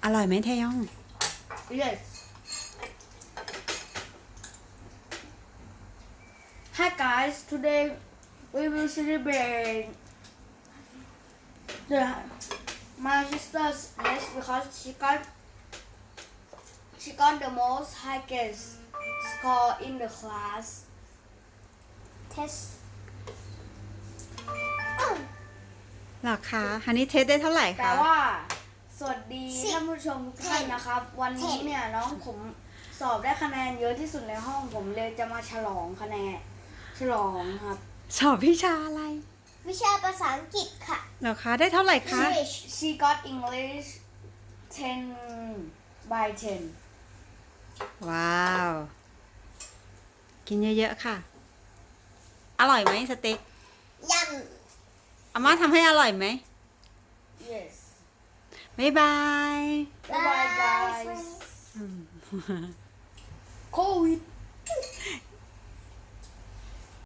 อร่อยไหมเทยอง Yes. Hi guys, today we will celebrate my sister's test because she got the most highest score in the class. test หรอคะฮันนี่เทสได้เท่าไหร่แต่คะว่าสวัสดีท่านผู้ชมทุกท่านนะครับ วันนี้เนี่ยน้องผมสอบได้คะแนนเยอะที่สุดในห้องผมเลยจะมาฉลองคะแนนฉลองครับสอบวิชาอะไรวิชาภาษาอังกฤษค่ะหรอคะได้เท่าไหร่คะ English She got English 10 by 10. ว้าว กินเยอะๆค่ะ อร่อยไหมสเต็กยอาม่าทำให้อร่อยไหม Yes. บ๊ายบายำ Bye bye guys. COVID.